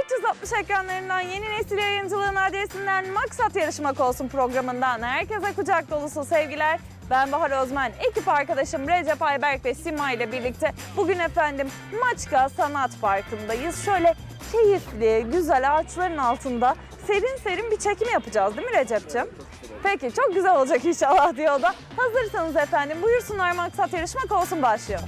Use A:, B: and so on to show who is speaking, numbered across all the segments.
A: 360 ekranlarından yeni nesil yayıncılığın adresinden Maksat Yarışmak Olsun programından herkese kucak dolusu sevgiler. Ben Bahar Özmen, ekip arkadaşım Recep Ayberk ve Sima ile birlikte bugün efendim Maçka Sanat Parkı'ndayız. Şöyle keyifli, güzel ağaçların altında serin serin bir çekim yapacağız değil mi Recep'ciğim? Peki, çok güzel olacak inşallah diyor o da. Hazırsanız efendim buyursunlar, Maksat Yarışmak Olsun başlıyor.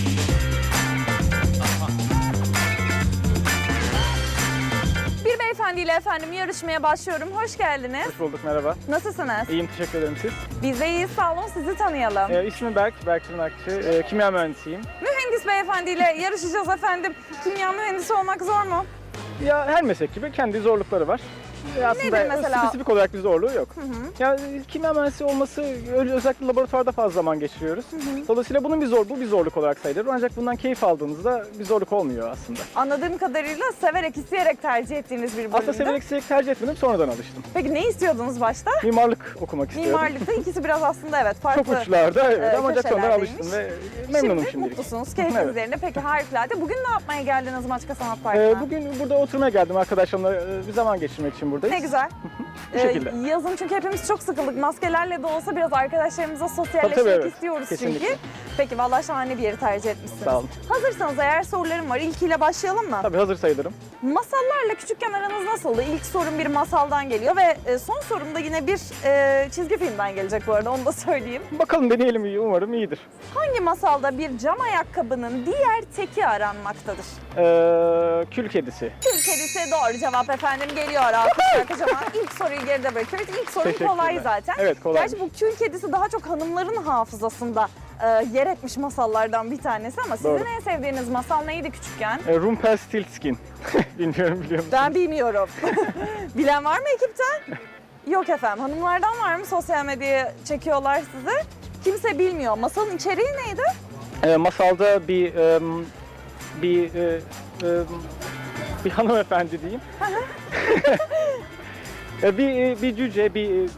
A: Bir beyefendiyle efendim yarışmaya başlıyorum. Hoş geldiniz.
B: Hoş bulduk, merhaba.
A: Nasılsınız?
B: İyiyim, teşekkür ederim siz.
A: Biz de iyiyiz, sağ olun. Sizi tanıyalım.
B: İsmim Berk Tırnakçı. Kimya mühendisiyim.
A: Mühendis beyefendiyle yarışacağız efendim. Kimya mühendisi olmak zor mu?
B: Ya her meslek gibi kendi zorlukları var. Aslında
A: Nedir mesela?
B: spesifik olarak bir zorluğu yok. Ya kimya mühendisi olması özellikle laboratuvarda fazla zaman geçiriyoruz. Dolayısıyla bunun bu bir zorluk olarak sayılır. Ancak bundan keyif aldığınızda bir zorluk olmuyor aslında.
A: Anladığım kadarıyla severek, isteyerek tercih ettiğiniz bir bölümde.
B: Aslında severek tercih etmedim, sonradan alıştım.
A: Peki ne istiyordunuz başta?
B: Mimarlık okumak istiyordum.
A: Mimarlıkta ikisi biraz aslında evet farklı.
B: Çok uçlarda evet, ama ancak sonradan
A: köşelerdeymiş.
B: alıştım ve memnunum
A: Şimdi
B: şimdilik.
A: mutlusunuz, keyfiniz
B: Evet.
A: yerinde. Peki harikulade. Bugün ne yapmaya geldiniz Maçka Sanat Parkı'na?
B: Bugün burada oturmaya geldim arkadaşlarımla, bir zaman geçirmek için buradayız.
A: Ne güzel.
B: Bu şekilde.
A: Yazın çünkü hepimiz çok sıkıldık. Maskelerle de olsa biraz arkadaşlarımıza sosyalleşmek
B: Tabii, evet.
A: istiyoruz
B: Kesinlikle.
A: çünkü. Peki vallahi şahane bir yeri tercih etmişsiniz.
B: Sağ olun.
A: Hazırsanız eğer sorularım var. İlkiyle başlayalım mı?
B: Tabii hazır sayılırım.
A: Masallarla küçükken aranız nasıldı? İlk sorum bir masaldan geliyor ve son sorum da yine bir çizgi filmden gelecek bu arada, onu da söyleyeyim.
B: Bakalım, deneyelim, umarım iyidir.
A: Hangi masalda bir cam ayakkabının diğer teki aranmaktadır?
B: Kül kedisi.
A: Kül kedisi doğru cevap efendim, geliyor alkışlar kocaman. İlk soruyu geride bırakıyoruz. İlk sorum
B: Teşekkürler.
A: kolay zaten.
B: Evet, kolay.
A: Gerçi bu kül kedisi daha çok hanımların hafızasında yer etmiş masallardan bir tanesi ama sizin
B: Doğru.
A: en sevdiğiniz masal neydi küçükken?
B: Rumpelstiltskin. Bilmiyorum, biliyor musun?
A: Ben bilmiyorum. Bilen var mı ekipten? Yok efendim. Hanımlardan var mı? Sosyal medyaya çekiyorlar sizi. Kimse bilmiyor. Masalın içeriği neydi?
B: Masalda bir hanımefendi diyeyim. bir cüce,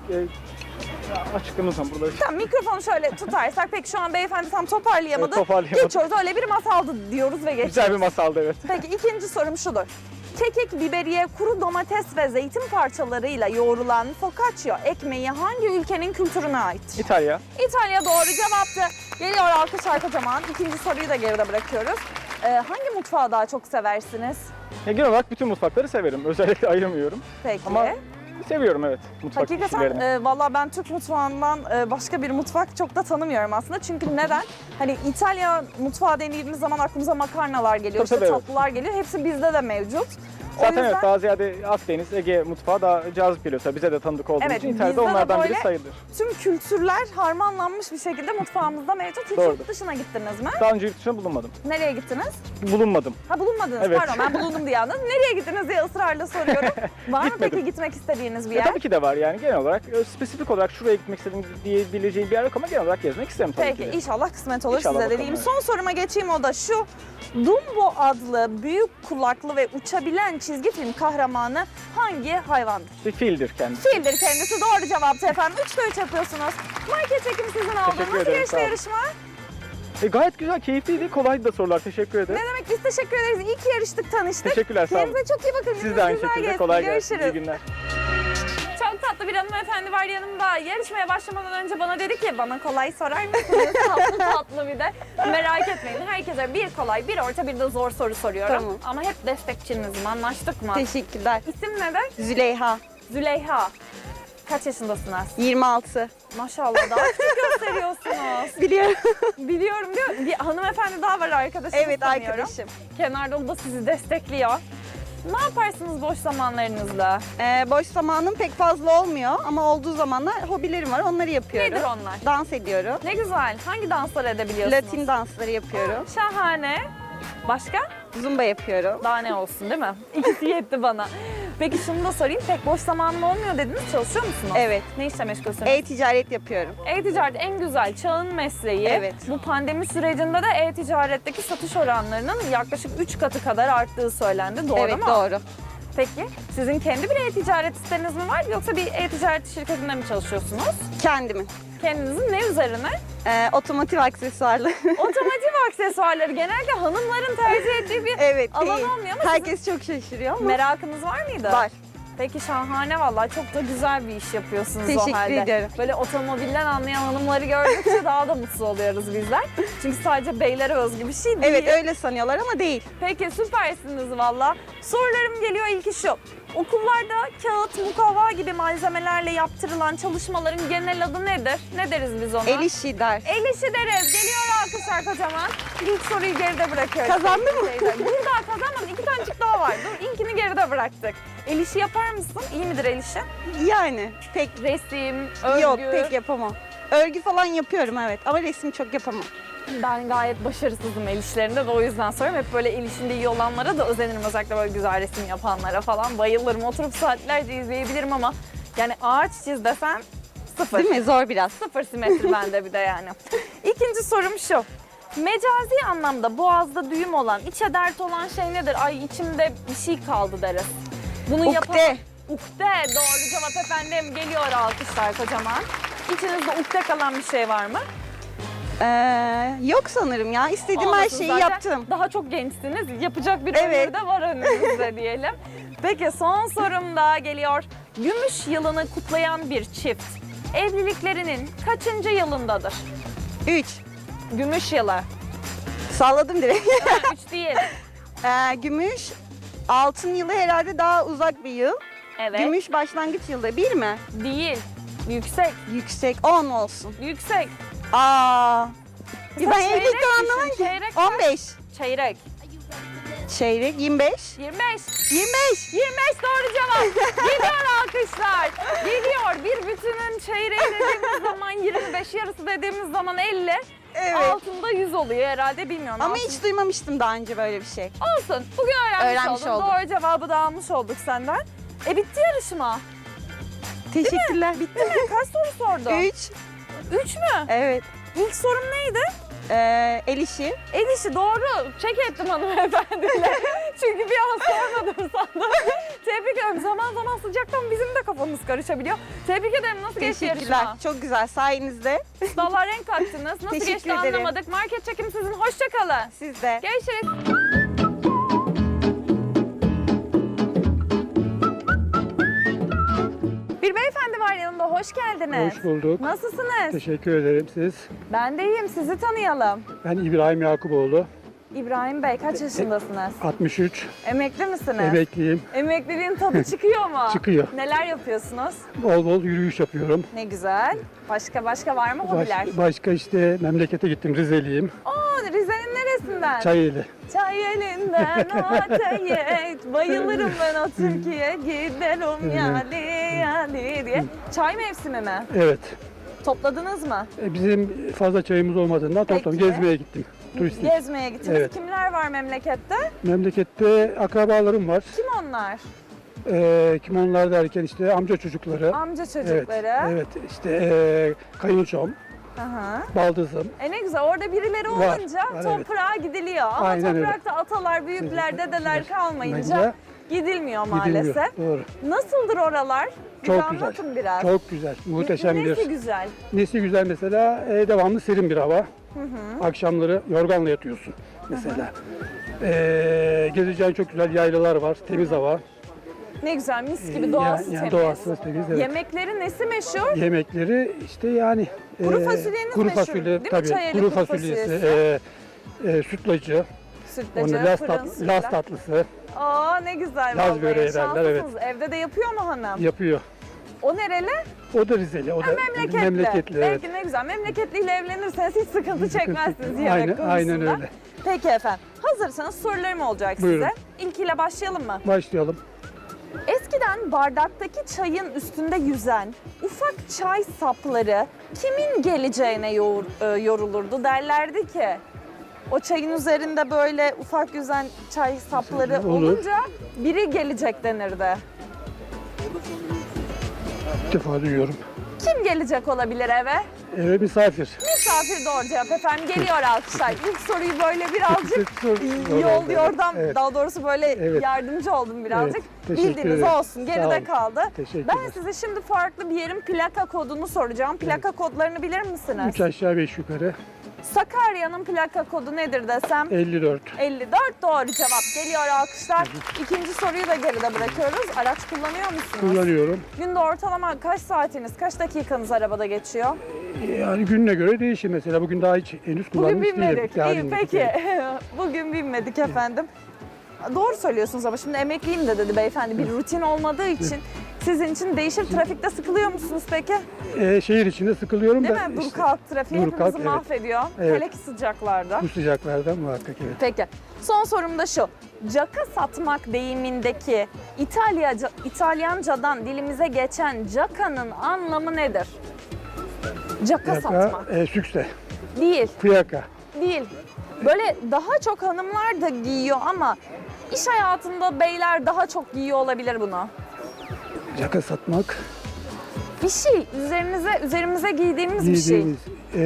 B: açıklamasam burada.
A: Tamam, mikrofonu şöyle tutarsak. Peki şu an beyefendi tam toparlayamadı.
B: Evet, toparlayamadım.
A: Geçiyoruz. Öyle bir masaldı diyoruz ve geçiyoruz.
B: Güzel bir masaldı, evet.
A: Peki ikinci sorum şudur. Kekik, biberiye, kuru domates ve zeytin parçalarıyla yoğrulan focaccia ekmeği hangi ülkenin kültürüne aittir?
B: İtalya.
A: İtalya doğru cevaptı. Geliyor alkışlar kocaman. İkinci soruyu da geride bırakıyoruz. Hangi mutfağı daha çok seversiniz?
B: Genel olarak bütün mutfakları severim. Özellikle ayırmıyorum.
A: Peki.
B: Ama seviyorum, evet, mutfak kişilerini.
A: Hakikaten valla ben Türk mutfağından başka bir mutfak çok da tanımıyorum aslında. Çünkü neden? Hani İtalya mutfağı denildiğimiz zaman aklımıza makarnalar geliyor,
B: Tabii,
A: işte
B: evet.
A: tatlılar geliyor. Hepsi bizde de mevcut. O
B: Zaten
A: yüzden,
B: evet, daha ziyade Akdeniz, Ege mutfağı daha cazip geliyor. Tabii bize de tanıdık olduğu
A: Evet,
B: için İtalya'da
A: bizde de
B: onlardan biri
A: böyle
B: sayılır.
A: tüm kültürler harmanlanmış bir şekilde mutfağımızda mevcut. Hiç
B: Doğrudur.
A: yurt dışına gittiniz mi?
B: Daha önce yurt dışına bulunmadım.
A: Nereye gittiniz?
B: Bulunmadım.
A: Ha, bulunmadınız.
B: Evet.
A: Pardon, ben bulundum diye anladım. Nereye gittiniz diye ısrarla soruyorum. Var mı
B: Gitmedim.
A: peki gitmek istediğiniz bir yer?
B: Tabii ki de var yani, genel olarak. Spesifik olarak şuraya gitmek istediğim diyebileceğim bir yer yok ama genel olarak gezmek isterim tabii
A: Peki
B: ki de.
A: inşallah kısmet olur
B: İnşallah
A: size
B: bakalım,
A: dediğim.
B: evet.
A: Son soruma geçeyim, o da şu. Dumbo adlı büyük kulaklı ve uçabilen çizgi film kahramanı hangi hayvandır?
B: Bir fildir kendisi.
A: Fildir kendisi, doğru cevaptı efendim. 3'te 3 yapıyorsunuz. Market çekim sizin aldığınız.
B: Teşekkür
A: Nasıl
B: ederim,
A: geçti
B: sağ olun.
A: yarışma?
B: Gayet güzel, keyifliydi. Kolaydı da sorular. Teşekkür ederim.
A: Ne demek, biz teşekkür ederiz. İyi ki yarıştık, tanıştık.
B: Teşekkürler, sağ olun.
A: Kendinize çok iyi bakın.
B: Siz
A: Gününüz
B: de aynı
A: güzel
B: şekilde.
A: geçsin.
B: Kolay gelsin.
A: Görüşürüz.
B: İyi günler.
A: Çok tatlı bir hanımefendi var yanımda. Yarışmaya başlamadan önce bana dedi ki, bana kolay sorar mısınız? Tatlı tatlı bir de. Merak etmeyin, herkese bir kolay, bir orta, bir de zor soru soruyorum.
C: Tamam.
A: Ama hep destekçinizim, anlaştık mı?
C: Teşekkürler.
A: İsim nedir?
C: Züleyha,
A: Züleyha. Kaç yaşındasınız?
C: 26.
A: Maşallah, daha küçük gösteriyorsunuz.
C: Biliyorum.
A: Biliyorum diyor. Bir hanımefendi daha var, arkadaşınız
C: Evet,
A: sanıyorum.
C: arkadaşım.
A: Kenarda o da sizi destekliyor. Ne yaparsınız boş zamanlarınızda?
C: Boş zamanım pek fazla olmuyor ama olduğu zamanlar hobilerim var, onları yapıyorum.
A: Nedir onlar?
C: Dans ediyorum.
A: Ne güzel. Hangi dansları edebiliyorsunuz?
C: Latin dansları yapıyorum.
A: Şahane. Başka?
C: Zumba yapıyorum.
A: Daha ne olsun değil mi? İkisi yetti bana. Peki şunu da sorayım. Pek boş zamanım olmuyor dediniz. Çalışıyor musunuz?
C: Evet.
A: Ne işle meşgulsünüz?
C: E-ticaret yapıyorum.
A: E-ticaret en güzel çağın mesleği.
C: Evet.
A: Bu pandemi sürecinde de e-ticaretteki satış oranlarının yaklaşık 3 katı kadar arttığı söylendi. Doğru
C: evet,
A: mu?
C: doğru.
A: Peki sizin kendi bir e-ticaret siteniz mi var yoksa bir e-ticaret şirketinde mi çalışıyorsunuz?
C: Kendimin.
A: Kendinizin ne üzerine?
C: Otomotiv aksesuarlı.
A: Otomotiv aksesuarları genellikle hanımların tercih ettiği bir
C: Evet,
A: alan
C: değil.
A: olmuyor ama
C: Herkes çok şaşırıyor ama
A: merakınız var mıydı?
C: var.
A: Peki şahane vallahi, çok da güzel bir iş yapıyorsunuz o
C: Teşekkür
A: halde.
C: ederim.
A: Böyle otomobilden anlayan hanımları gördükçe daha da mutlu oluyoruz bizler. Çünkü sadece beylere özgü bir şey değil.
C: Evet, öyle sanıyorlar ama değil.
A: Peki süpersiniz valla. Sorularım geliyor, ilki şu. Okullarda kağıt, mukavva gibi malzemelerle yaptırılan çalışmaların genel adı nedir? Ne deriz biz ona?
C: El işi der.
A: El işi deriz. Geliyor alkışlar kocaman. İlk soruyu geride bırakıyoruz.
C: Kazandın mı?
A: Dur daha kazanmadın. 2 tanecik daha var. Dur, ilkini geride bıraktık. El işi yapar mısın? İyi midir el işi?
C: Yani pek
A: Resim, örgü.
C: yok, pek yapamam. Örgü falan yapıyorum evet ama resim çok yapamam.
A: Ben gayet başarısızım el işlerinde de o yüzden soruyorum. Hep böyle el işinde iyi olanlara da özenirim. Özellikle böyle güzel resim yapanlara falan bayılırım. Oturup saatlerce izleyebilirim ama yani ağaç çiz desen sıfır.
C: Değil mi? Zor biraz.
A: Sıfır simetri bende bir de yani. İkinci sorum şu. Mecazi anlamda boğazda düğüm olan, içe dert olan şey nedir? Ay içimde bir şey kaldı deriz. Bunu
C: Ukde.
A: Ukde. Doğru cevap efendim. Geliyor alkışlar kocaman. İçinizde ukde kalan bir şey var mı?
C: Yok sanırım ya. İstediğim her
A: Olmasın
C: şeyi
A: zaten.
C: yaptım.
A: Daha çok gençsiniz. Yapacak bir
C: Evet.
A: ömür de var önünüzde diyelim. Peki son sorum da geliyor. Gümüş yılını kutlayan bir çift evliliklerinin kaçıncı yılındadır?
C: 3.
A: Gümüş yılı.
C: Salladım direkt.
A: 3 değil.
C: Gümüş. Altın yılı herhalde daha uzak bir yıl.
A: Evet.
C: Gümüş başlangıç yılda 1 mi?
A: Değil. Yüksek.
C: Yüksek 10 olsun.
A: Yüksek.
C: Aa.
A: Mesela
C: Ben
A: çeyrek
C: evlilikten
A: düşün,
C: anlamam ki.
A: çeyrek kaç?
C: 15.
A: Çeyrek.
C: Çeyrek 25.
A: 25.
C: 25.
A: 25 doğru cevap. Geliyor alkışlar. Geliyor. Bir bütünün çeyreği dediğimiz zaman 25, yarısı dediğimiz zaman 50.
C: Evet.
A: Altında 100 oluyor herhalde, bilmiyorum.
C: Ama
A: Altın-
C: hiç duymamıştım daha önce böyle bir şey.
A: Olsun. Bugün öğrenmiş
C: Öğrenmiş
A: olduk.
C: olduk.
A: Doğru cevabı da almış olduk senden. Bitti yarışma.
C: Teşekkürler.
A: Bitti mi? Kaç soru sordun?
C: 3.
A: 3 mü?
C: Evet.
A: İlk sorum neydi?
C: El işi.
A: El işi doğru. Çek ettim hanımefendiyle. Çünkü bir an sormadım sandım. Tebrik ederim. Zaman zaman sıcaktan bizim de kafamız karışabiliyor. Tebrik ederim. Nasıl geçti
C: Teşekkürler.
A: yarışma?
C: Çok güzel sayenizde.
A: Vallahi renk kattınız. Nasıl
C: Teşekkür
A: geçti
C: ederim.
A: anlamadık. Market çekim sizin. Hoşça kalın.
C: Siz de.
A: Görüşürüz. Bir beyefendi var yanımda. Hoş geldiniz.
D: Hoş bulduk.
A: Nasılsınız?
D: Teşekkür ederim siz.
A: Ben de iyiyim. Sizi tanıyalım.
D: Ben İbrahim Yakuboğlu.
A: İbrahim Bey kaç yaşındasınız?
D: 63.
A: Emekli misiniz?
D: Emekliyim.
A: Emekliliğin tadı çıkıyor mu?
D: Çıkıyor.
A: Neler yapıyorsunuz?
D: Bol bol yürüyüş yapıyorum.
A: Ne güzel. Başka var mı hobiler?
D: Başka işte memlekete gittim. Rizeliyim.
A: Aa, Rize'nin neresinden?
D: Çayeli.
A: Çay elinden ateş. Bayılırım ben o Türkiye. Gidelim yali diye. Çay mevsimi mi?
D: Evet.
A: Topladınız mı?
D: Bizim fazla çayımız olmadığından toplam
A: Peki.
D: gezmeye gittim. Turistik.
A: Gezmeye gittiniz.
D: Evet.
A: Kimler var memlekette?
D: Memlekette akrabalarım var.
A: Kim onlar?
D: Kim onlar derken işte amca çocukları.
A: Amca
D: Evet.
A: çocukları.
D: Evet. İşte kayınçom,
A: Aha.
D: baldızım.
A: Ne güzel, orada birileri
D: Var,
A: olunca
D: var,
A: toprağa gidiliyor. Ama
D: Aynen öyle.
A: toprakta atalar, büyükler, dedeler kalmayınca
D: Gidilmiyor.
A: gidilmiyor maalesef.
D: Doğru.
A: Nasıldır oralar? Bize
D: Çok güzel.
A: anlatın biraz.
D: Çok güzel. Muhteşem bir.
A: Nesi güzel?
D: Nesi güzel mesela devamlı serin bir hava. Akşamları yorganla yatıyorsun mesela. Gezeceğin çok güzel yaylalar var, temiz hava.
A: Ne güzel, mis gibi doğası
D: Yani
A: temiz.
D: doğası temiz. Evet.
A: Yemekleri nesi meşhur?
D: Yemekleri işte yani
A: Kuru fasulyeniz
D: kuru
A: meşhur,
D: fasulye
A: değil mi?
D: tabii.
A: Çayeli
D: Kuru
A: kuru
D: fasulyesi,
A: fasulyesi.
D: sütlacı,
A: Sütlacı,
D: onu
A: fırın sütlaç.
D: Laz tatlısı
A: Aa ne güzel
D: Laz
A: vallahi.
D: böreği derler, evet.
A: Şanslısınız. Evde de yapıyor mu hanım?
D: yapıyor.
A: O nereli?
D: O da Rizeli, o da memleketli. Evet.
A: Belki ne güzel. Memleketliyle evlenirseniz hiç sıkıntı çekmezsiniz yemek
D: Aynen,
A: konusunda.
D: aynen öyle.
A: Peki efendim. Hazırsanız sorularım olacak
D: Buyurun.
A: size. İlkiyle başlayalım mı?
D: Başlayalım.
A: Eskiden bardaktaki çayın üstünde yüzen ufak çay sapları kimin geleceğine yorulurdu derlerdi ki. O çayın üzerinde böyle ufak yüzen çay sapları
D: Olur.
A: olunca biri gelecek denirdi.
D: İlk defa duyuyorum.
A: Kim gelecek olabilir eve?
D: Eve misafir.
A: Misafir doğru cevap efendim. Geliyor alkışlar. İlk soruyu böyle birazcık
D: Zor
A: yol
D: oldu.
A: yordam,
D: Evet.
A: daha doğrusu böyle
D: Evet.
A: yardımcı oldum birazcık.
D: Evet, teşekkür
A: Bildiğiniz
D: ederim.
A: olsun,
D: Sağ
A: geride
D: olun.
A: kaldı.
D: Teşekkürler.
A: Ben size şimdi farklı bir yerin plaka kodunu soracağım. Plaka kodlarını bilir misiniz?
D: 3 aşağı 5 yukarı.
A: Sakarya'nın plaka kodu nedir desem?
D: 54.
A: 54 doğru cevap. Geliyor alkışlar. İkinci soruyu da geride bırakıyoruz. Araç kullanıyor musunuz?
D: Kullanıyorum.
A: Günde ortalama kaç saatiniz, kaç dakikanız arabada geçiyor?
D: Yani gününe göre değişir mesela. Bugün daha hiç henüz
A: Bugün
D: kullanmış
A: binmedik.
D: değilim. Daha
A: İyi
D: binmedik,
A: peki.
D: evet.
A: Bugün binmedik efendim. Doğru söylüyorsunuz ama şimdi emekliyim de dedi beyefendi. Bir rutin olmadığı için sizin için değişir. Trafikte sıkılıyor musunuz peki?
D: Şehir içinde sıkılıyorum
A: Değil
D: da
A: mi? Dur
D: işte
A: kalk trafiği
D: dur
A: hepimizi
D: kalk, evet.
A: mahvediyor.
D: Evet.
A: Hele ki sıcaklarda.
D: bu sıcaklardan muhakkak evet.
A: Peki. Son sorum da şu. Caka satmak deyimindeki İtalyancadan dilimize geçen cakanın anlamı nedir? Caka satmak.
D: Sükse,
A: Değil.
D: fiyaka.
A: Değil. Böyle daha çok hanımlar da giyiyor ama iş hayatında beyler daha çok giyiyor olabilir bunu.
D: Caka satmak.
A: Bir şey üzerimize giydiğimiz bir şey.
D: Giydiğimiz.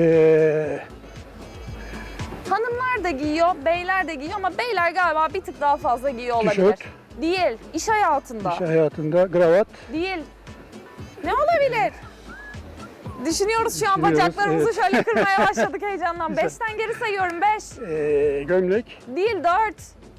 A: Hanımlar da giyiyor, beyler de giyiyor ama beyler galiba bir tık daha fazla giyiyor olabilir.
D: Tişört.
A: Değil. İş hayatında.
D: İş hayatında gravat.
A: Değil. Ne olabilir? Düşünüyoruz şu an
D: Düşünüyoruz,
A: bacaklarımızı
D: evet.
A: şöyle kırmaya başladık heyecandan.
D: Güzel.
A: 5'ten geri sayıyorum. 5.
D: Gömlek.
A: Değil 4.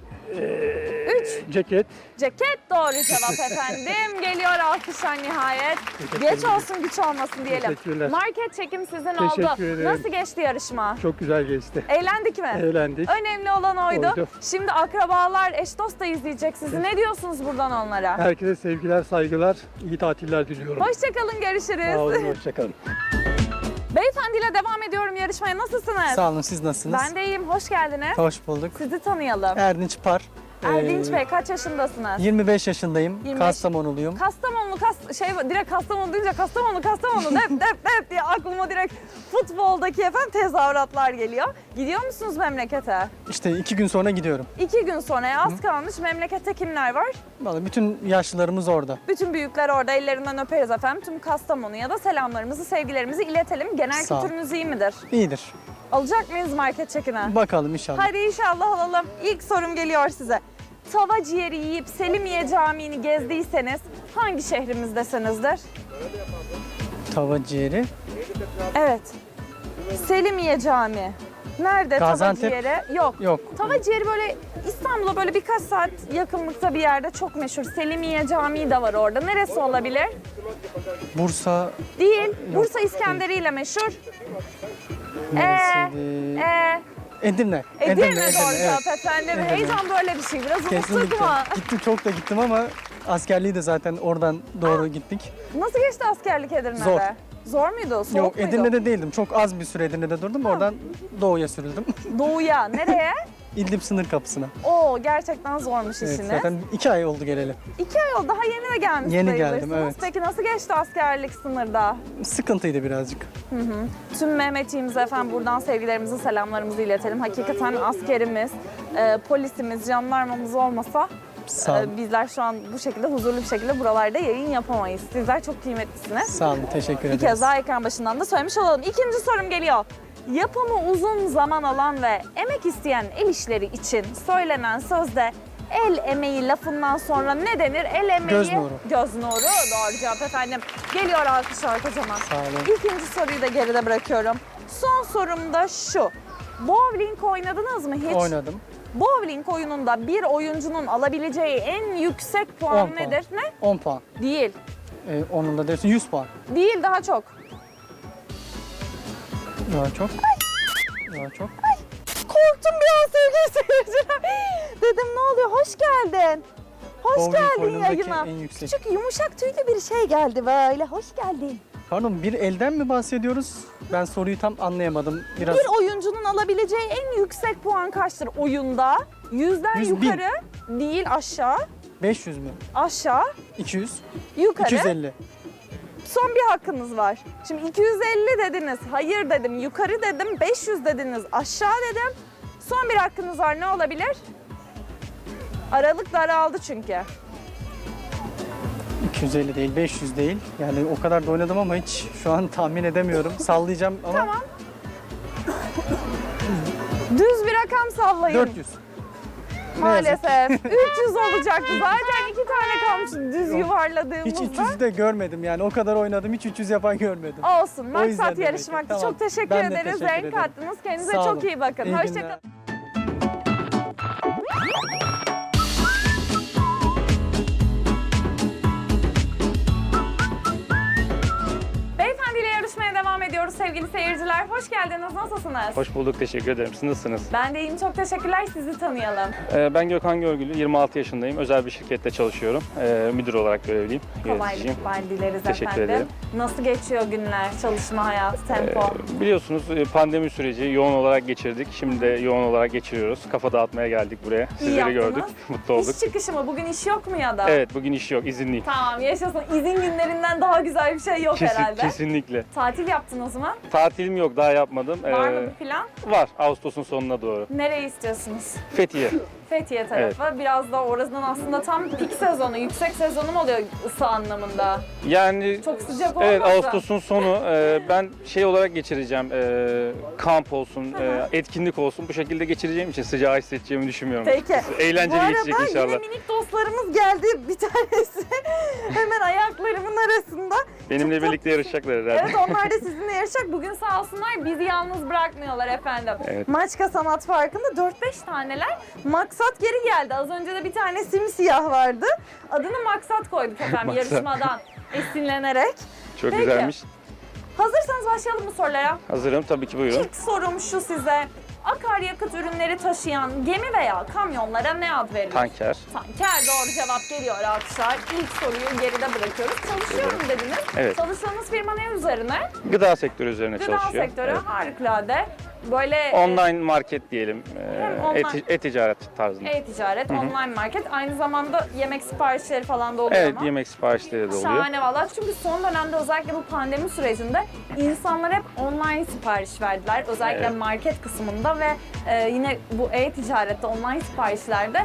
A: 3.
D: Ceket.
A: Ceket doğru cevap efendim. Geliyor alkışlar nihayet. Geç olsun güç olmasın diyelim.
D: Teşekkürler.
A: Market çekim sizin
D: Teşekkür
A: oldu.
D: ederim.
A: Nasıl geçti yarışma?
D: Çok güzel geçti.
A: Eğlendik mi?
D: Eğlendik.
A: Önemli olan oydu.
D: Oydu.
A: Şimdi akrabalar, eş dost da izleyecek sizi. Ne diyorsunuz buradan onlara?
D: Herkese sevgiler, saygılar, iyi tatiller diliyorum.
A: Hoşçakalın, görüşürüz.
D: Sağ olun, hoşçakalın.
A: Beyefendiyle devam ediyorum yarışmaya. Nasılsınız?
E: Sağ olun, siz nasılsınız?
A: Ben de iyiyim, hoş geldiniz.
E: Hoş bulduk.
A: Sizi tanıyalım.
E: Erdinç Par.
A: Erdinç Bey, kaç yaşındasınız?
E: 25 yaşındayım.
A: 25.
E: Kastamonuluyum.
A: Kastamonu, direkt Kastamonu duyunca Kastamonu, dep diye aklıma direkt futboldaki efendim tezahüratlar geliyor. Gidiyor musunuz memlekete?
E: İşte 2 gün sonra gidiyorum.
A: 2 gün sonra az kalmış. Memlekette kimler var?
E: Vallahi bütün yaşlılarımız orada.
A: Bütün büyükler orada, ellerinden öperiz efendim. Tüm Kastamonu'ya da selamlarımızı, sevgilerimizi iletelim. Genel
E: Sağ ol.
A: kültürünüz iyi midir?
E: İyidir.
A: Alacak mıyız market çekine?
E: Bakalım inşallah.
A: Hadi inşallah alalım. İlk sorum geliyor size. Tava ciğeri yiyip Selimiye Camii'ni gezdiyseniz hangi şehrimizdesinizdir?
E: Tava ciğeri.
A: Evet. Selimiye Camii. Nerede
E: Gaziantep.
A: tava ciğeri? Yok.
E: Yok.
A: Tava ciğeri böyle İstanbul'a böyle birkaç saat yakınlıkta bir yerde çok meşhur. Selimiye Camii de var orada. Neresi olabilir?
E: Bursa.
A: Değil. Bursa İskenderi ile meşhur.
E: Neresiydi?
A: Edirne
E: Edirne.
A: doğru
E: evet.
A: cevap efendim.
E: Edirne.
A: Heyecan böyle bir şey. Biraz unuttuk
E: Kesinlikle.
A: ama.
E: Gittim, çok da gittim ama askerliği de zaten oradan doğru gittik.
A: Nasıl geçti askerlik Edirne'de?
E: Zor.
A: Zor muydu? Soğuk
E: Yok,
A: muydu?
E: Edirne'de değildim. Çok az bir süre Edirne'de durdum. Oradan doğuya sürüldüm.
A: Doğuya. Nereye?
E: İdlib sınır kapısına.
A: Oo, gerçekten zormuş
E: Evet,
A: işiniz.
E: zaten 2 ay oldu geleli.
A: 2 ay oldu. Daha yeni de gelmiş
E: Yeni
A: sayılırsınız.
E: geldim, evet.
A: Peki nasıl geçti askerlik sınırda?
E: Sıkıntıydı birazcık.
A: Tüm Mehmetçiğimize efendim buradan sevgilerimizi, selamlarımızı iletelim. Hakikaten askerimiz, polisimiz, jandarmamız olmasa
E: Sağ olun.
A: bizler şu an bu şekilde huzurlu bir şekilde buralarda yayın yapamayız. Sizler çok kıymetlisiniz.
E: Sağ olun, teşekkür
A: Bir
E: ederiz.
A: kez daha ekran başından da söylemiş olalım. İkinci sorum geliyor. Yapımı uzun zaman alan ve emek isteyen el işleri için söylenen sözde el emeği lafından sonra ne denir? El emeği...
E: Göz nuru.
A: Göz nuru. Doğru cevap efendim. Geliyor alkışlar kocaman.
E: Sağ olun.
A: İkinci soruyu da geride bırakıyorum. Son sorum da şu. Bowling oynadınız mı hiç?
E: Oynadım.
A: Bowling oyununda bir oyuncunun alabileceği en yüksek
E: 10
A: puan
E: puan.
A: nedir? Ne?
E: 10 puan.
A: Değil.
E: Onun da dersin 100 puan.
A: Değil, daha çok.
E: Daha çok. Daha çok.
A: Korktum bir an sevgili seyirciler. Dedim ne oluyor? Hoş geldin. Hoş
E: Bowling
A: geldin
E: oyunundaki
A: yayına.
E: en yüksek.
A: Küçük yumuşak tüylü bir şey geldi böyle. Hoş geldin.
E: Pardon, bir elden mi bahsediyoruz? Ben soruyu tam anlayamadım. Biraz
A: Bir oyuncunun alabileceği en yüksek puan kaçtır oyunda? 100'den
E: 100 bin.
A: yukarı değil, aşağı.
E: 500 mü?
A: Aşağı,
E: 200,
A: yukarı.
E: 250.
A: Son bir hakkınız var. Şimdi 250 dediniz, hayır dedim, yukarı dedim, 500 dediniz, aşağı dedim. Son bir hakkınız var, ne olabilir? Aralık daraldı çünkü.
E: 250 değil, 500 değil. Yani o kadar da oynadım ama hiç şu an tahmin edemiyorum. Sallayacağım ama
A: Tamam. Düz bir rakam sallayın.
E: 400.
A: Maalesef. 300 olacaktı. Zaten 2 tane kalmış düz
E: Hiç
A: yuvarladığımızda.
E: 300'ü de görmedim yani o kadar oynadım hiç 300 yapan görmedim.
A: Olsun.
E: O yüzden
A: Maksat
E: demek ki.
A: yarışmaktı.
E: Tamam.
A: Çok teşekkür
E: Ben de
A: ederiz.
E: teşekkür
A: Renk
E: ederim.
A: kattınız. Kendinize
E: Sağ
A: çok
E: olun.
A: iyi bakın.
E: İyi
A: Hoşçakalın.
E: günler.
A: Beyefendiyle yarışmaya devam ediyoruz sevgili seyirciler. Hoş geldiniz. Nasılsınız?
B: Hoş bulduk, teşekkür ederim. Siz nasılsınız?
A: Ben de iyiyim. Çok teşekkürler. Sizi tanıyalım.
B: Ben Gökhan Görgülü, 26 yaşındayım. Özel bir şirkette çalışıyorum. Müdür olarak görevliyim. Yöneticiyim.
A: Kolaylıklar dileriz
B: Teşekkür
A: efendim.
B: ederim.
A: Nasıl geçiyor günler, çalışma hayatı, tempo?
B: Biliyorsunuz pandemi süreci yoğun olarak geçirdik. Şimdi de yoğun olarak geçiriyoruz. Kafa dağıtmaya geldik buraya. Sizleri
A: yaptınız.
B: gördük. Mutlu olduk.
A: İş çıkışı mı? Bugün iş yok mu ya da?
B: Evet, bugün iş yok, izinliyim.
A: Tamam, yaşasın. İzin günlerinden daha güzel bir şey yok herhalde.
B: Kesinlikle.
A: Tatil yaptınız mı?
B: Tatilim yok, daha yapmadım.
A: Var mı bir plan?
B: Var, Ağustos'un sonuna doğru.
A: Nereyi istiyorsunuz?
B: Fethiye.
A: Fethiye tarafı. Biraz da orasının aslında tam pik sezonu, yüksek sezonu mu oluyor ısı anlamında?
B: Yani
A: Çok sıcak
B: evet,
A: olmasa.
B: Ağustos'un sonu ben şey olarak geçireceğim. Kamp olsun, etkinlik olsun. Bu şekilde geçireceğim için sıcağı hissedeceğimi düşünmüyorum.
A: Peki.
B: Eğlenceli
A: Bu
B: geçecek
A: arada
B: inşallah.
A: yine minik dostlarımız geldi. Bir tanesi hemen ayaklarımın arasında.
B: Benimle
A: Çok
B: birlikte yarışacaklar herhalde.
A: Evet, onlar da sizinle yarışacak. Bugün sağ olsunlar bizi yalnız bırakmıyorlar efendim.
B: Evet.
A: Maçka Sanat Parkı'nda 4-5 taneler. Maksat geri geldi. Az önce de bir tane simsiyah vardı. Adını Maksat koyduk efendim
B: Maksat.
A: yarışmadan esinlenerek.
B: Çok
A: Peki.
B: güzelmiş.
A: Hazırsanız başlayalım mı sorulara?
B: Hazırım, tabii ki, buyurun.
A: İlk sorum şu size. Akaryakıt ürünleri taşıyan gemi veya kamyonlara ne ad verilir?
B: Tanker.
A: Tanker doğru cevap geliyor alkışlar. İlk soruyu geride bırakıyoruz. Çalışıyorum dediniz.
B: Evet.
A: Çalıştığınız firma ne üzerine?
B: Gıda sektörü üzerine
A: Gıda
B: çalışıyor.
A: sektörü
B: Evet.
A: harikulade. Böyle
B: Online market diyelim.
A: Hem online-
B: E-ticaret tarzında.
A: e-ticaret, online market. Aynı zamanda yemek siparişleri falan da oluyor
B: Evet,
A: mu?
B: yemek siparişleri de oluyor.
A: Şahane valla. Çünkü son dönemde özellikle bu pandemi sürecinde insanlar hep online sipariş verdiler. Özellikle
B: Evet.
A: market kısmında ve yine bu e-ticarette, online siparişlerde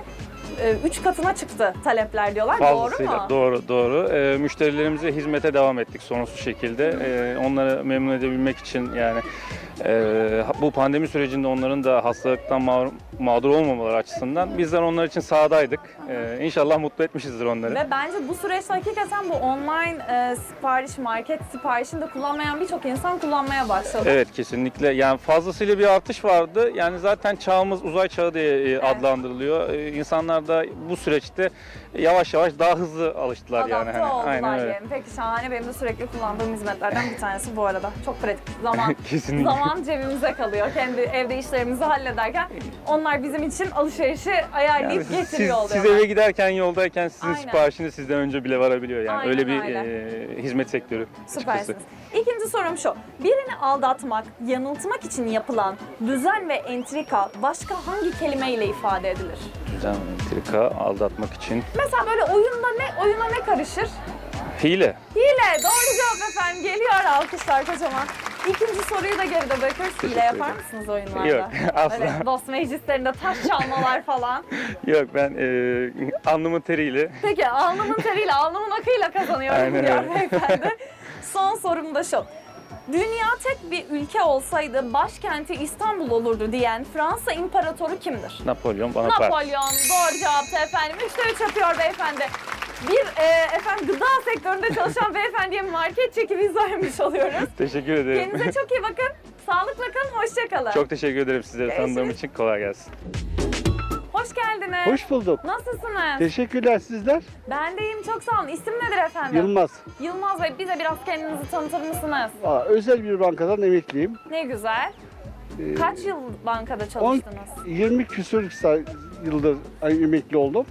A: 3 katına çıktı talepler diyorlar.
B: Fazlasıyla.
A: Doğru mu?
B: Doğru, doğru. Müşterilerimize hizmete devam ettik sonsuz şekilde. Onları memnun edebilmek için yani bu pandemi sürecinde onların da hastalıktan mağdur olmamaları açısından bizler onlar için sahadaydık. İnşallah mutlu etmişizdir onları.
A: Ve bence bu süreçte hakikaten bu online sipariş, market siparişini de kullanmayan birçok insan kullanmaya başladı.
B: Evet, kesinlikle. Yani fazlasıyla bir artış vardı. Yani zaten çağımız uzay çağı diye adlandırılıyor. İnsanlar da bu süreçte yavaş yavaş daha hızlı alıştılar yani.
A: Adapte oldular
B: Aynen öyle.
A: diyelim. Peki şahane, benim de sürekli kullandığım hizmetlerden bir tanesi bu arada. Çok pratik.
B: Kesinlikle.
A: Zaman cebimize kalıyor. Kendi evde işlerimizi hallederken onlar bizim için alışverişi ayarlayıp
B: Yani
A: getiriyor
B: siz
A: oluyorlar.
B: eve giderken, yoldayken sizin
A: Aynen.
B: siparişiniz sizden önce bile varabiliyor. Yani
A: Aynen
B: öyle bir
A: öyle.
B: hizmet sektörü açıkçası.
A: Süpersiniz. İkinci sorum şu. Birini aldatmak, yanıltmak için yapılan düzen ve entrika başka hangi kelimeyle ifade edilir?
B: Düzen, entrika, aldatmak için.
A: Mesela böyle oyuna ne karışır?
B: Hile.
A: Hile. Doğru cevap efendim. Geliyor alkışlar kocaman. İkinci soruyu da geride bırakıyoruz. Hile
B: Teşekkür
A: yapar
B: ederim.
A: mısınız oyunlarda?
B: Yok, asla.
A: Böyle dost meclislerinde taş çalmalar falan.
B: Yok, ben alnımın teriyle.
A: Peki alnımın teriyle, alnımın akıyla kazanıyorum
B: Aynen
A: diyor
B: öyle.
A: beyefendi. Son sorum da şu. Dünya tek bir ülke olsaydı başkenti İstanbul olurdu diyen Fransa İmparatoru kimdir?
B: Napolyon Bonaparte.
A: Napolyon. Doğru cevaptı efendim. 3'te 3 yapıyor beyefendi. Bir efendim gıda sektöründe çalışan beyefendiye market çeki biz vermiş oluyoruz.
B: Teşekkür ederim.
A: Kendinize çok iyi bakın. Sağlıkla kalın, hoşça kalın.
B: Çok teşekkür ederim sizleri tanıdığım
A: Görüşürüz.
B: için. Kolay gelsin.
A: Hoş geldiniz.
F: Hoş bulduk.
A: Nasılsınız?
F: Teşekkürler, sizler.
A: Ben de iyiyim, çok sağ olun. İsim nedir efendim?
F: Yılmaz.
A: Yılmaz Bey, bize biraz kendinizi tanıtır mısınız?
F: Özel bir bankadan emekliyim.
A: Ne güzel. Kaç yıl bankada
F: 10,
A: çalıştınız?
F: 20 küsur yıldır emekli oldum.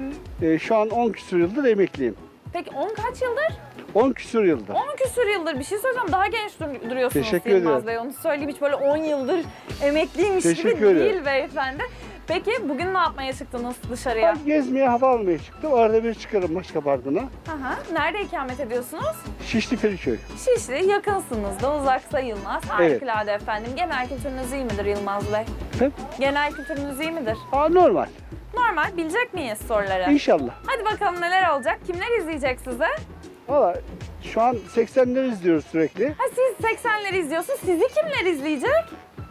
F: Şu an 10 küsur yıldır emekliyim.
A: Peki 10 kaç yıldır?
F: 10 küsur yıldır.
A: 10 küsür yıldır. Bir şey söyleyeceğim. Daha genç duruyorsunuz
F: Teşekkür
A: Yılmaz
F: ederim.
A: Bey. Onu söyleyeyim. Hiç böyle 10 yıldır emekliymiş gibi
F: Teşekkür ederim.
A: değil beyefendi. Peki bugün ne yapmaya çıktınız dışarıya?
F: Ben gezmeye, hava almaya çıktım. Arada bir çıkarım Maçka Parkı'na.
A: Aha. Nerede ikamet ediyorsunuz?
F: Şişli Feriköy.
A: Şişli, yakınsınız da, uzak sayılmaz.
F: Evet.
A: Harikulade efendim. Genel kültürünüz iyi midir Yılmaz Bey?
F: Efendim?
A: Genel kültürünüz iyi midir?
F: Normal.
A: Normal. Bilecek miyiz soruları?
F: İnşallah.
A: Hadi bakalım neler olacak? Kimler izleyecek size?
F: Valla şu an 80'leri izliyoruz sürekli.
A: Ha, siz 80'leri izliyorsunuz. Sizi kimler izleyecek?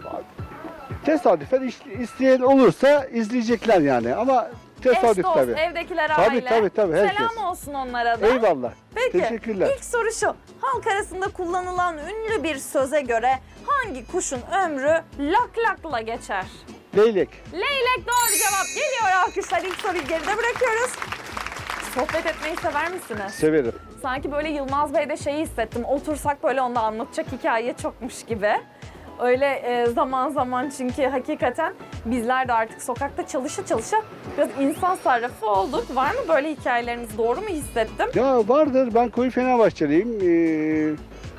F: Tesadüfen isteyen olursa izleyecekler yani ama tesadüf
A: Eş dost,
F: tabii.
A: evdekiler
F: Tabii,
A: aile.
F: tabii, herkes.
A: Selam olsun onlara da.
F: Eyvallah.
A: Peki,
F: Teşekkürler.
A: ilk soru şu. Halk arasında kullanılan ünlü bir söze göre hangi kuşun ömrü lak lakla geçer?
F: Leylek.
A: Leylek doğru cevap. Geliyor alkışlar. İlk soruyu geride bırakıyoruz. Sohbet etmeyi sever misiniz?
F: Severim.
A: Sanki böyle Yılmaz Bey'de şeyi hissettim. Otursak böyle onda anlatacak hikaye çokmuş gibi. Öyle zaman zaman çünkü hakikaten bizler de artık sokakta çalışa biraz insan sarrafı olduk. Var mı böyle hikayeleriniz? Doğru mu hissettim?
F: Ya vardır. Ben koyu Fenerbahçeliyim.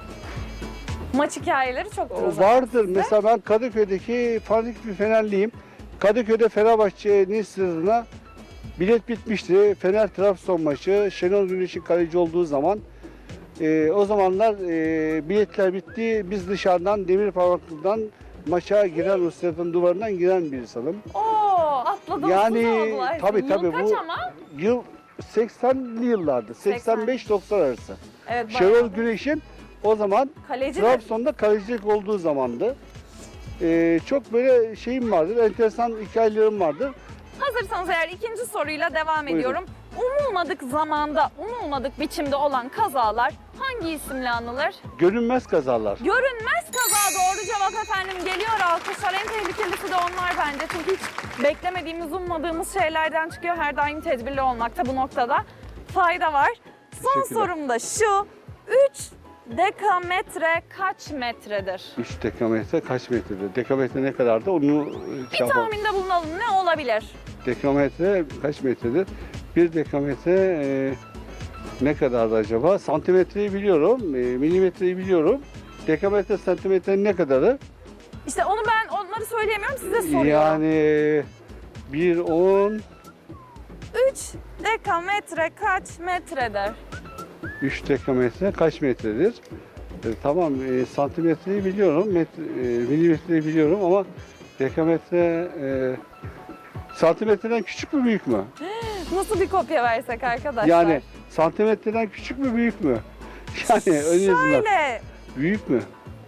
A: Maç hikayeleri çoktur o zaman.
F: Vardır. Mesela ben Kadıköy'deki fanatik bir Fenerliyim. Kadıköy'de Fenerbahçe'nin stadına bilet bitmişti. Fener Trabzon maçı. Şenol Güneş'in kaleci olduğu zaman. O zamanlar biletler bitti. Biz dışarıdan demir parmaklıktan maça giren, o stadın duvarından giren bir insanım.
A: Oo, atladınız
F: Yani,
A: oldular.
F: tabii,
A: Yıl
F: tabii,
A: kaç
F: bu-
A: ama?
F: Yıl 80'li yıllardı. 85-90 arası.
A: Evet,
F: Şenol
A: bayağı.
F: Güneş'in o zaman
A: Kaleci de
F: Trabzon'da kalecilik olduğu zamandı. Çok böyle şeyim vardır, enteresan hikayelerim vardır.
A: hazırsanız eğer ikinci soruyla devam
F: Buyurun.
A: ediyorum. Umulmadık zamanda, umulmadık biçimde olan kazalar hangi isimle anılır?
F: Görünmez kazalar.
A: Görünmez kaza doğru cevap efendim. Geliyor alkışlar. En tehlikelisi de onlar bence. Çünkü hiç beklemediğimiz, ummadığımız şeylerden çıkıyor. Her daim tedbirli olmakta bu noktada fayda var. Son
F: Teşekkürler.
A: sorum da şu. 3 dekametre kaç metredir?
F: 3 dekametre kaç metredir? Dekametre ne kadardı? Onu
A: Bir tahminde bulunalım. Ne olabilir?
F: Dekametre kaç metredir? 1 dekametre ne kadardı acaba? Santimetreyi biliyorum, milimetreyi biliyorum. Dekametre santimetre ne kadarı?
A: İşte onları söyleyemiyorum, size soruyorum.
F: Yani 1-10,
A: 3 dekametre kaç metredir?
F: 3 dekametre kaç metredir? Tamam, santimetreyi biliyorum, milimetreyi biliyorum ama dekametre santimetreden küçük mü büyük mü?
A: Nasıl bir kopya versek arkadaşlar?
F: Yani santimetreden küçük mü büyük mü? Yani ön yazılar
A: Şöyle,
F: büyük mü?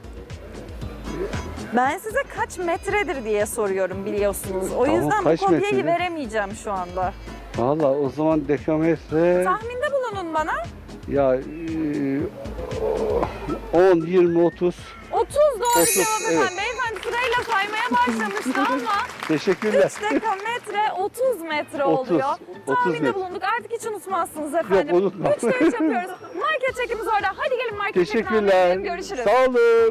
A: ben size kaç metredir diye soruyorum biliyorsunuz. O
F: Tamam,
A: yüzden bu
F: kaç
A: kopyayı
F: metredir?
A: veremeyeceğim şu anda.
F: Valla o zaman dekametre
A: Tahminde bulunun bana.
F: ya 10, 20, 30.
A: 30 doğru
F: 30,
A: cevap efendim.
F: evet.
A: Beyefendi sırayla saymaya başlamıştı ama
F: Teşekkürler.
A: 3 dekametre 30 metre
F: 30,
A: oluyor.
F: 30
A: Tahminde
F: metre.
A: bulunduk. Artık hiç unutmazsınız efendim.
F: Yok, unutmam.
A: 3'te 3 yapıyoruz. Market çekimiz orada. Hadi gelin market çekimine
F: Teşekkürler.
A: gidelim. Görüşürüz.
F: Sağ olun.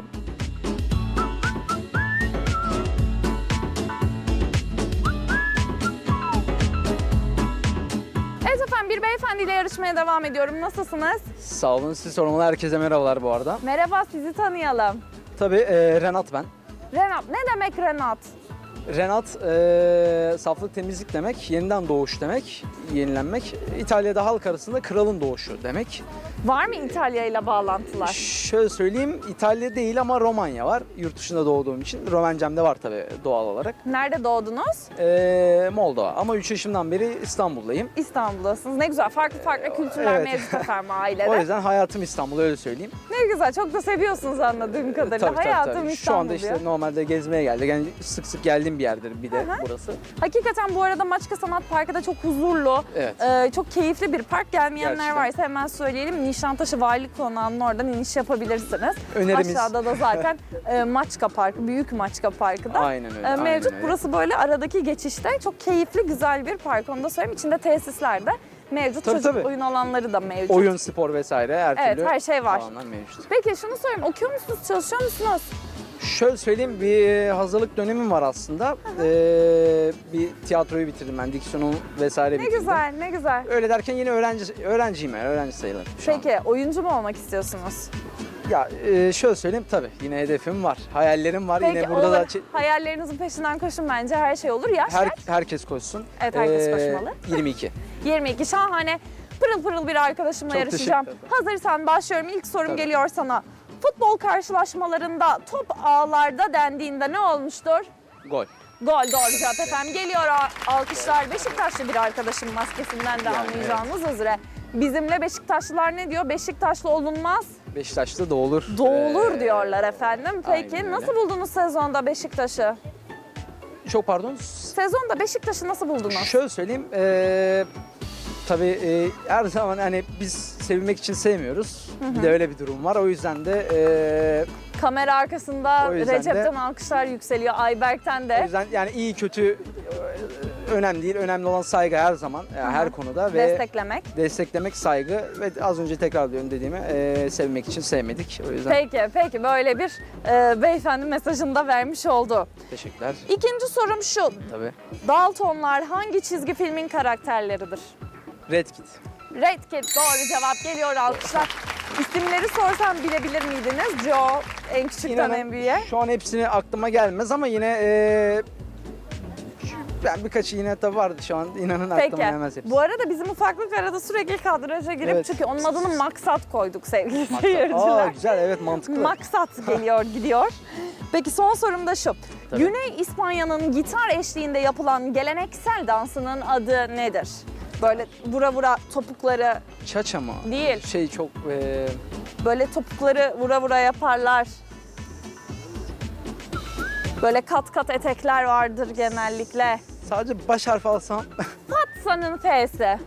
A: Evet efendim, bir beyefendiyle yarışmaya devam ediyorum. Nasılsınız?
G: Sağ olun. Sizi sormalı. Herkese merhabalar bu arada.
A: Merhaba, sizi tanıyalım.
G: Tabii Renat ben.
A: Renat, ne demek Renat?
G: Renat saflık temizlik demek, yeniden doğuş demek, yenilenmek. İtalya'da halk arasında kralın doğuşu demek.
A: Var mı İtalya ile bağlantılar?
G: Şöyle söyleyeyim, İtalya değil ama Romanya var. Yurt dışında doğduğum için. Romencem de var tabii doğal olarak.
A: Nerede doğdunuz?
G: Moldova ama 3 yaşımdan beri İstanbul'dayım.
A: İstanbul'dasınız. Ne güzel. Farklı kültürler
G: evet.
A: mevcut efendim ailede.
G: O yüzden hayatım İstanbul, öyle söyleyeyim.
A: Ne güzel. Çok da seviyorsunuz anladığım kadarıyla. Hayatım
G: Şu
A: İstanbul
G: anda işte
A: diyor.
G: normalde gezmeye geldik. Yani sık sık geldiğim bir yerdir bir de burası.
A: Hakikaten bu arada Maçka Sanat Parkı da çok huzurlu,
G: Evet.
A: çok keyifli bir park. Gelmeyenler
G: Gerçekten.
A: varsa hemen söyleyelim. Nişantaşı Valilik Konağı'nın oradan iniş yapabilirsiniz.
G: Önerimiz.
A: Aşağıda da zaten Maçka Parkı, Büyük Maçka Parkı da
G: Aynen öyle.
A: mevcut.
G: aynen öyle.
A: Burası böyle aradaki geçişte çok keyifli, güzel bir park. Onu da söyleyeyim. İçinde tesisler de mevcut.
G: Tabii,
A: Çocuk
G: tabii.
A: oyun alanları da mevcut.
G: Oyun, spor vesaire her
A: Evet,
G: türlü
A: her şey var.
G: alanlar mevcut.
A: Peki şunu sorayım. Okuyor musunuz, çalışıyor musunuz?
G: Şöyle söyleyeyim, bir hazırlık dönemim var aslında. Bir tiyatroyu bitirdim ben, diksiyonu vesaire
A: Ne
G: bitirdim.
A: güzel, ne güzel.
G: Öyle derken yine öğrenciyim yani, öğrenci sayılırım şu an.
A: Peki oyuncu mu olmak istiyorsunuz?
G: Ya şöyle söyleyeyim, tabii yine hedefim var, hayallerim var.
A: Peki
G: Yine burada da
A: hayallerinizin peşinden koşun bence her şey olur. Yaş kaç?
G: herkes koşsun.
A: Evet, herkes koşmalı.
G: 22.
A: 22 şahane pırıl pırıl bir arkadaşımla
G: Çok
A: yarışacağım.
G: teşekkür
A: Hazırsan başlıyorum. İlk sorum
G: Tabii.
A: geliyor sana. Futbol karşılaşmalarında top ağlarda dendiğinde ne olmuştur?
G: Gol.
A: Gol doğru cevap efendim. Geliyor alkışlar. Beşiktaşlı bir arkadaşım maskesinden de
G: Yani,
A: anlayacağınız üzere. Bizimle Beşiktaşlılar ne diyor? Beşiktaşlı olunmaz,
G: Beşiktaş'ta doğulur.
A: doğulur diyorlar efendim. Peki
G: aynen öyle.
A: nasıl buldunuz sezonda Beşiktaş'ı?
G: Çok pardon.
A: Sezonda Beşiktaş'ı nasıl buldunuz?
G: Şöyle söyleyeyim. Tabii her zaman hani biz sevilmek için sevmiyoruz. Bir de öyle bir durum var. O yüzden de
A: Kamera arkasında
G: O yüzden de-
A: Recep'ten alkışlar yükseliyor, Ayberk'ten
G: o
A: de.
G: yüzden yani iyi kötü önemli değil. Önemli olan saygı her zaman, her konuda ve desteklemek saygı ve az önce tekrarlıyorum dediğimi sevmek için sevmedik. O yüzden
A: Peki böyle bir beyefendi mesajını da vermiş oldu.
G: teşekkürler.
A: İkinci sorum şu.
G: Tabii.
A: Daltonlar hangi çizgi filmin karakterleridir?
G: Red Kit.
A: Red Kit doğru cevap geliyor, alkışlar. İsimleri sorsam bilebilir miydiniz? Joe en küçükten
G: İnanın
A: en büyüğe.
G: şu an hepsini aklıma gelmez ama yine ben birkaçı yine tabii vardı şu an inanın aklıma gelmez hepsi.
A: Bu arada bizim ufaklık arada sürekli kadraja girip
G: Evet.
A: çünkü onun adını Maksat koyduk sevgili seyirciler.
G: Aa güzel, evet, mantıklı.
A: Maksat geliyor gidiyor. Peki son sorum da şu.
G: Tabii.
A: Güney İspanya'nın gitar eşliğinde yapılan geleneksel dansının adı nedir? Böyle vura vura topukları
G: Çaça mı?
A: değil.
G: Şey çok
A: Böyle topukları vura vura yaparlar. Böyle kat kat etekler vardır genellikle.
G: sadece baş harfi alsam
A: Fatsa'nın F'si.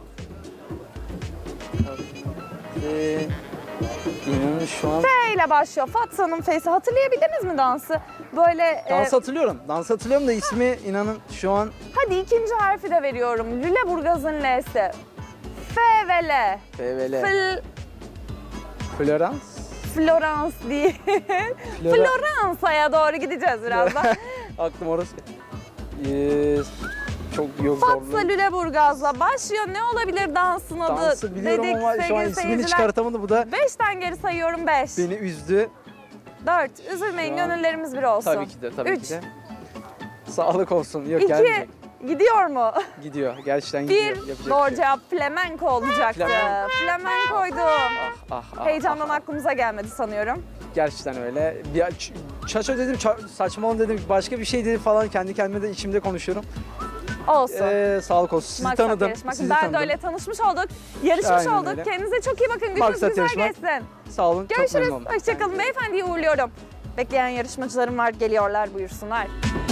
G: inanın şu an
A: F ile başlıyor. Fatsa'nın F'si. Hatırlayabildiniz mi dansı? Böyle
G: dans hatırlıyorum. Dans hatırlıyorum da ismi inanın şu an
A: hadi ikinci harfi de veriyorum. Lüleburgaz'ın L'si. F ve L.
G: PVL. Florence.
A: Florence değil. Floransa'ya doğru gideceğiz birazdan.
G: Aklım orası. Çok yok
A: Fatsa
G: zorlu.
A: Lüleburgaz'la başlıyor. Ne olabilir dansın adı?
G: Dansı biliyorum
A: dedik
G: ama şu an
A: sevgili
G: ismini
A: seyirciler.
G: çıkartamadı. Bu da
A: 5'ten geri sayıyorum 5.
G: beni üzdü.
A: 4. Üzülmeyin,
G: Şu an-
A: gönüllerimiz bir olsun.
G: Tabii ki de, tabii
A: Üç.
G: ki de. Sağlık olsun. Yok
A: 2.
G: gelmeyecek.
A: Gidiyor mu?
G: Gidiyor. Gerçekten gidiyor.
A: 1.
G: Yapacak bir
A: Doğru
G: şey yok.
A: cevap flamenco olacaktı. Flamenco'ydu.
G: Ah,
A: Heyecandan aklımıza gelmedi sanıyorum.
G: Gerçekten öyle. Bir çaça dedim, saçmalama dedim, başka bir şey dedim falan, kendi kendime de içimde konuşuyorum.
A: Olsun.
G: Sağlık olsun. Sizi
A: Maksat
G: tanıdım.
A: yarışmak.
G: Sizi
A: Ben de
G: tanıdım.
A: öyle tanışmış olduk. Yarışmış
G: Aynen
A: olduk.
G: öyle.
A: Kendinize çok iyi bakın. Gününüz
G: Maksat
A: güzel
G: yarışmak.
A: geçsin.
G: Sağ olun. Çok
A: Görüşürüz.
G: memnun oldum.
A: Hoşçakalın. Beyefendiyi uğurluyorum. Bekleyen yarışmacılarım var. Geliyorlar. Buyursunlar.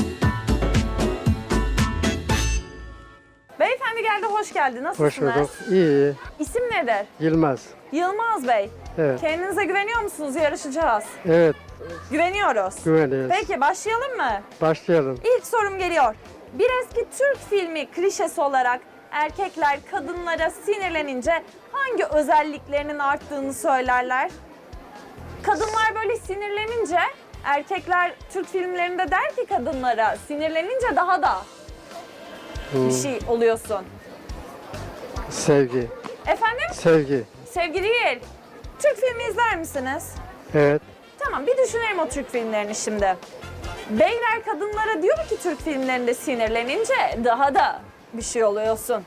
A: Beyefendi geldi. Hoş geldi. Nasılsınız?
H: Hoş bulduk. İyi.
A: İsim nedir?
H: Yılmaz.
A: Yılmaz Bey.
H: Evet.
A: Kendinize güveniyor musunuz? Yarışacağız.
H: Evet.
A: Güveniyoruz.
H: Güveniyoruz.
A: Peki başlayalım mı?
H: Başlayalım.
A: İlk sorum geliyor. Bir eski Türk filmi klişesi olarak erkekler kadınlara sinirlenince hangi özelliklerinin arttığını söylerler? Kadınlar böyle sinirlenince erkekler Türk filmlerinde der ki kadınlara sinirlenince daha da bir şey oluyorsun.
H: Sevgi.
A: Efendim?
H: Sevgi.
A: Sevgi değil. Türk filmi izler misiniz?
H: Evet.
A: Tamam bir düşünelim o Türk filmlerini şimdi. Beyler kadınlara diyor ki Türk filmlerinde sinirlenince daha da bir şey oluyorsun.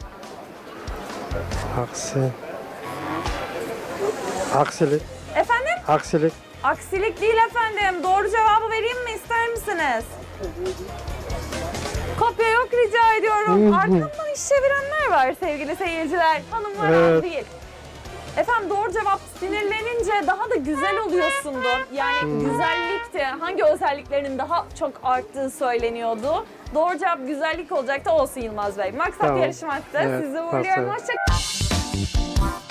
H: Aksilik.
A: Efendim?
H: Aksilik.
A: Aksilik değil efendim. Doğru cevabı vereyim mi ister misiniz? Kopya yok rica ediyorum. Arkamdan iş çevirenler var sevgili seyirciler. Hanımlar az
H: Evet.
A: değil. Efendim doğru cevap sinirlenince daha da güzel oluyorsundu. Yani güzellikti. Hangi özelliklerinin daha çok arttığı söyleniyordu. Doğru cevap güzellik olacaktı. Olsun Yılmaz Bey. Maksat
H: Tamam.
A: yarışmaktı.
H: Evet,
A: Sizi uğurluyorum.
H: maksat.
A: Hoşça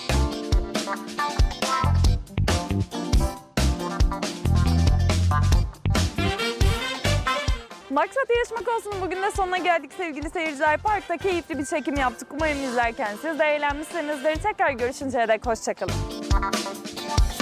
A: Maksat yarışmak olsun. Bugün de sonuna geldik sevgili seyirciler. Parkta keyifli bir çekim yaptık. Umarım izlerken siz de eğlenmişsinizdir. Tekrar görüşünceye dek hoşçakalın.